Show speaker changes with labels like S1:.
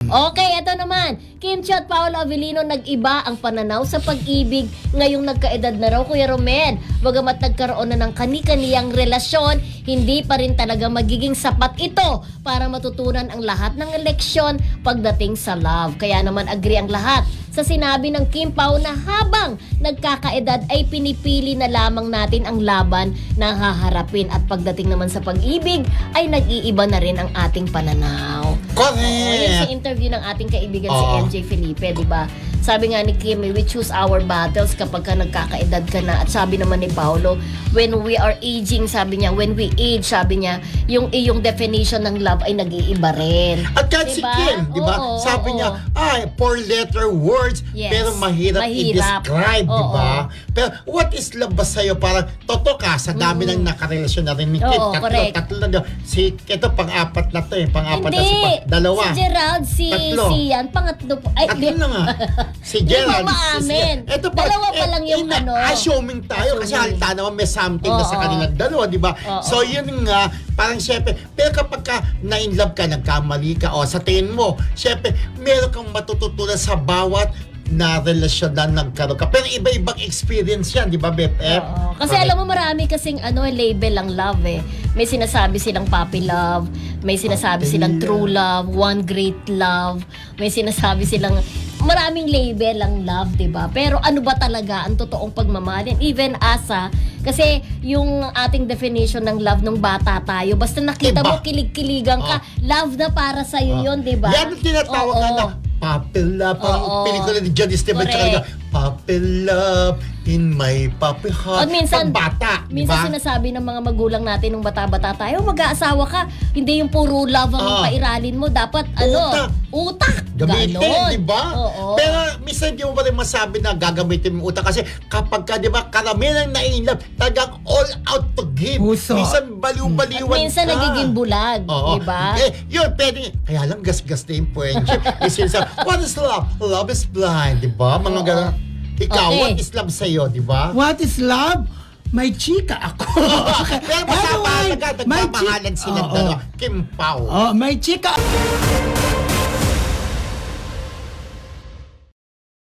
S1: Okay, eto naman. Kim Chiu at Paolo Avellino, nag-iba ang pananaw sa pag-ibig ngayong nagkaedad na raw, Kuya Romel. Bagamat nagkaroon na ng kani-kaniyang relasyon, hindi pa rin talaga magiging sapat ito para matutunan ang lahat ng leksyon pagdating sa love. Kaya naman agree ang lahat sa sinabi ng Kim Pao na habang nagkakaedad ay pinipili na lamang natin ang laban na haharapin, at pagdating naman sa pag-ibig ay nag-iiba na rin ang ating pananaw.
S2: Correct!
S1: Yun sa interview ng ating kaibigan si MJ Felipe, di ba? Sabi nga ni Kim, we choose our battles kapag ka nagkakaedad ka na. At sabi naman ni Paolo, when we are aging, sabi niya, when we age, sabi niya, yung iyong definition ng love ay nag-iiba rin.
S2: At kahit si
S1: Diba?
S2: Kim, di ba?
S1: Oo,
S2: Sabi
S1: oo.
S2: niya, four-letter words,
S1: Yes.
S2: pero mahirap i-describe, di ba? Pero what is love ba sa'yo? Parang, totoo ka, sa dami ng nakarelasyon na rin ni Kim.
S1: Oo, correct.
S2: Tatlo na. Ito, pang-apat na to eh. Pang-apat na
S1: Hindi!
S2: dalawa.
S1: Si Gerald,
S2: Tatlo.
S1: si Ian, pangatlo po. Ay,
S2: Tatlo na nga. Si
S1: Hindi
S2: Gerald.
S1: mo maamin. Dalawa pa lang yung ano.
S2: Assuming tayo kasi
S1: Assuming.
S2: halata naman may something na sa
S1: Oo.
S2: kanilang dalawa, di ba?
S1: Oo.
S2: So yun nga, parang syempre, pero kapag ka na-inlove ka, nagkamali ka, o sa tingin mo, syempre, meron kang matututunan sa bawat na relasyon na nagkaroon ka. Pero iba-ibang experience yan, di ba, BFF?
S1: Oo. Kasi alam mo, marami kasing label ang love eh. May sinasabi silang puppy love, may sinasabi
S2: Puppy
S1: silang
S2: love.
S1: true love, one great love, may sinasabi silang maraming label ang love, 'di ba? Pero ano ba talaga ang totoong pagmamahalin? Even asa, kasi yung ating definition ng love nung bata tayo, basta nakita
S2: Iba.
S1: mo, kilig-kiligan ka, love na para sa iyo 'yon, 'di ba?
S2: Yan ang tinatawag
S1: Oo.
S2: nga na puppy love. Parang
S1: Oo.
S2: pelikula ni John Esteban.
S1: Correct.
S2: Puppy love in my puppy heart.
S1: At minsan,
S2: Pag bata, di ba?
S1: minsan sinasabi ng mga magulang natin nung bata-bata tayo, mag-aasawa ka, hindi yung puro love ang pairalin mo, dapat utak.
S2: Gamitin,
S1: Ganon.
S2: di ba?
S1: Oo.
S2: Pero minsan di mo pa rin masabi na gagamitin mo utak kasi kapag ka, di ba, karamihan ang na-inlove, talagang all out to give.
S3: Puso.
S2: Minsan baliw-baliwan
S1: At minsan
S2: ka.
S1: nagiging bulag,
S2: Oo.
S1: di ba?
S2: Yun, pwede. Kaya lang gas-gas na yung friendship. What is love? Love is blind, di ba? Mga
S1: Oo.
S2: ganun. Ikaw,
S1: Okay.
S2: what is love sa'yo, di ba?
S3: What is love? May chika ako.
S2: Pero masama
S3: Anyway,
S2: talaga,
S3: may
S2: nagmamahalan
S3: chika.
S2: silang
S3: Oo.
S2: dalawa. Kim Pao.
S3: Oh, may chika.